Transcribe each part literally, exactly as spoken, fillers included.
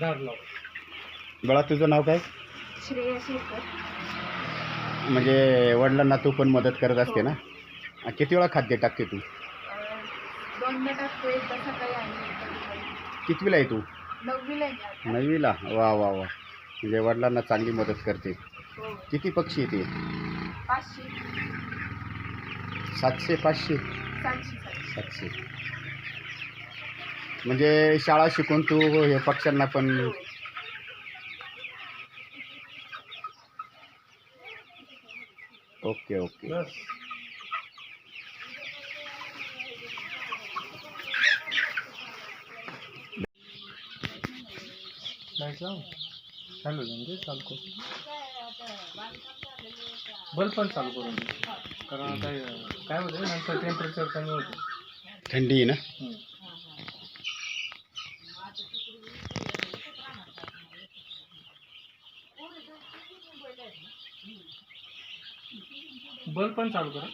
झाड लाव. बाळा तुझं नाव काय? श्रेया शेखर. म्हणजे वडिलांना तू पण मदत करत असते हो. ना? आ, किती वेळा खाद्य टाकते तू? अं, दोनदा टाकतो, एकदा सकाळी आणि एकदा दुपारी. कितवीला आहे तू? नववीला आहे मी आता. नववीला? वा वा वा. म्हणजे वडिलांना चांगली मदत करते. हो. किती पक्षी येते? पाचशे सातशे पाचशे सातशे सातशे. सातशे. म्हणजे शाळा शिकून तू हे पक्ष्यांना पण हो. Okay okay. बस. लाईट लाव. चालू म्हणजे चालू कर. बल्ब पण चालू करून दे. कारण काय काय होतं नंतर टेम्परेचर कमी होतं. थंडी आहे ना? हम्म. बल्ब पण चालू करा.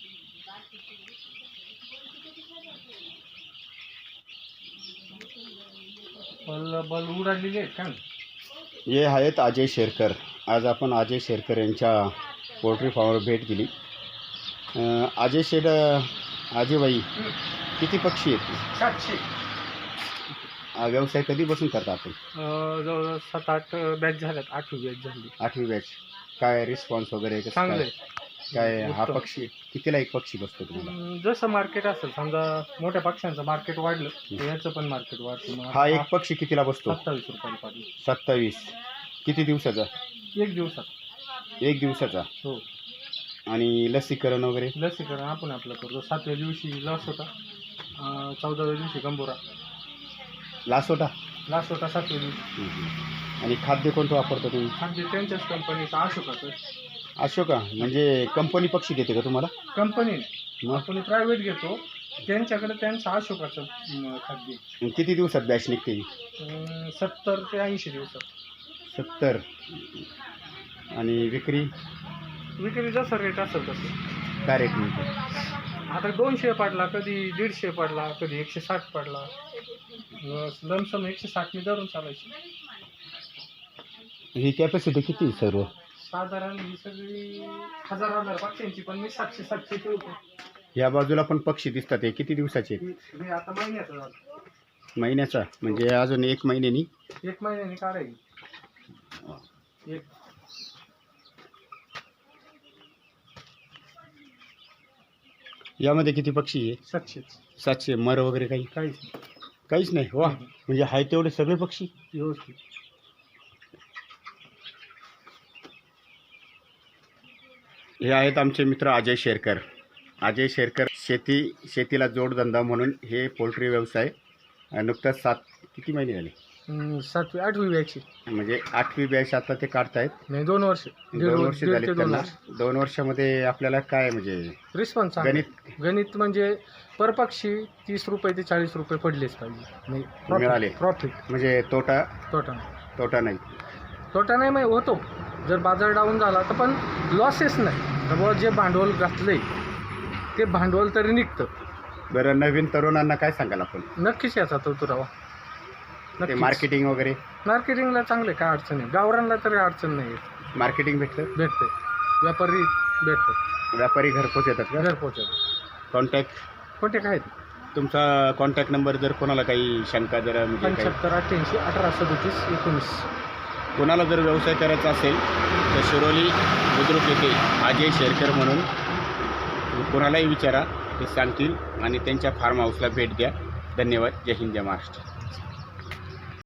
बल्ब बल्ब उडालेले आहेत का? हे आहेत अजय शेरकर. आज आपण अजय शेरकर यांच्या पोल्ट्री फार्मवर भेट दिली. अं, अजय शेठ, अजयबाई, किती पक्षी आहेत? सातशे. हा व्यवसाय कधीपासून करता आपण? अं, जवळजवळ सात आठ बॅच झाल्यात. आठवी बॅच झाली. आठवी बॅच. काय रिस्पॉन्स वगैरे कसं चांगलं काय? आहे. काय हा उत्तम. पक्षी कितीला एक पक्षी बसतो तुम्हाला? अं, जसं मार्केट असेल, समजा मोठ्या पक्ष्यांचं मार्केट वाढलं तर याचं पण मार्केट वाढतं. मग हा एक पक्षी कितीला बसतो? सत्तावीस रुपयाला पाहिजे. सत्तावीस. किती दिवसाचा? एक दिवसात. एक दिवसाचा. हो. आणि लसीकरण वगैरे? लसीकरण आपण आपलं करतो. सातव्या दिवशी लस होता, अं, चौदाव्या दिवशी गंभोरा. लासोटा? लास्ट होता सातव्या दिवशी. हम्म. आणि खाद्य कोणतं वापरतो तुम्ही? खाद्य त्यांच्याच कंपनीचं अशोकाचं. अशोका म्हणजे कंपनी पक्षी देते का तुम्हाला? कंपनी मग आपण प्रायव्हेट घेतो, त्यांच्याकडे त्यांचं अशोकाचं अं, खाद्य. किती दिवसात बॅच निघते? अं, सत्तर ते ऐंशी दिवसात. सत्तर. आणि विक्री विक्री जसं रेट असेल तसं. काय रेट मिळते? आता दोनशे पडला, कधी दीडशे पडला, कधी एकशे साठ पडला. लमसम एकशे साठने धरून चालायची. ही कॅपॅसिटी किती सर्व? साधारण ही सगळी हजार हजार पक्ष्यांची, पण मी सातशे सातशे ठेवतो. या बाजूला पण पक्षी दिसतात. हे किती दिवसाचे? हे हे आता महिन्याचं झालं. महिन्याचा म्हणजे अजून एक महिन्यानी? एक महिन्याने काढायची. एक यामध्ये किती पक्षी आहे? सातशेच. सातशे. मर वगैरे काही? काहीच नाही. काहीच नाही. वा. म्हणजे आहे तेवढे सगळे पक्षी व्यवस्थित. हे आहेत आमचे मित्र अजय शेरकर. अजय शेरकर शेती शेतीला जोडधंदा म्हणून हे पोल्ट्री व्यवसाय नुकताच सात किती महिने झाले? अं, सातवी आठवी बॅची. म्हणजे आठवी बॅच आता ते काढतायत. नाही, दोन वर्ष. दीड दोन वर्ष वर्ष दीड झाले ते दोन त्यांना. वर्ष. दोन वर्षामध्ये आपल्याला काय म्हणजे रिस्पॉन्स गणित गणित म्हणजे पर पक्षी तीस रुपये ते चाळीस रुपये पडलेच पाहिजे. मिळाले. प्रॉफिट. म्हणजे तोटा तोटा तोटा नाही. तोटा नाही मग होतो. जर बाजार डाऊन झाला तर पण लॉसेस नाही. तर जे भांडवल घातलंय ते भांडवल तरी निघतं. बरं, नवीन तरुणांना काय सांगाल आपण? नक्कीच याचा तो तुरावा. ते मार्केटिंग वगैरे? मार्केटिंगला चांगले, काय अडचण नाही. गावरांना तरी अडचण नाही येत. मार्केटिंग भेटतं? भेटते. व्यापारी भेटतात. व्यापारी घरपोच येतात का? घर पोहोचतात. कॉन्टॅक्ट कोणते काय तुमचा कॉन्टॅक्ट नंबर जर कोणाला काही शंका जर म्हणजे काही पंच्याहत्तर अठ्ठ्याऐंशी अठरा सदोतीस एकोणीस. कोणाला जर व्यवसाय करायचा असेल तर शिरोली बुद्रुक येथे अजय शेरकर म्हणून कोणालाही विचारा, ते सांगतील आणि त्यांच्या फार्म हाऊसला भेट द्या. धन्यवाद. जय हिंद, जय महाराष्ट्र.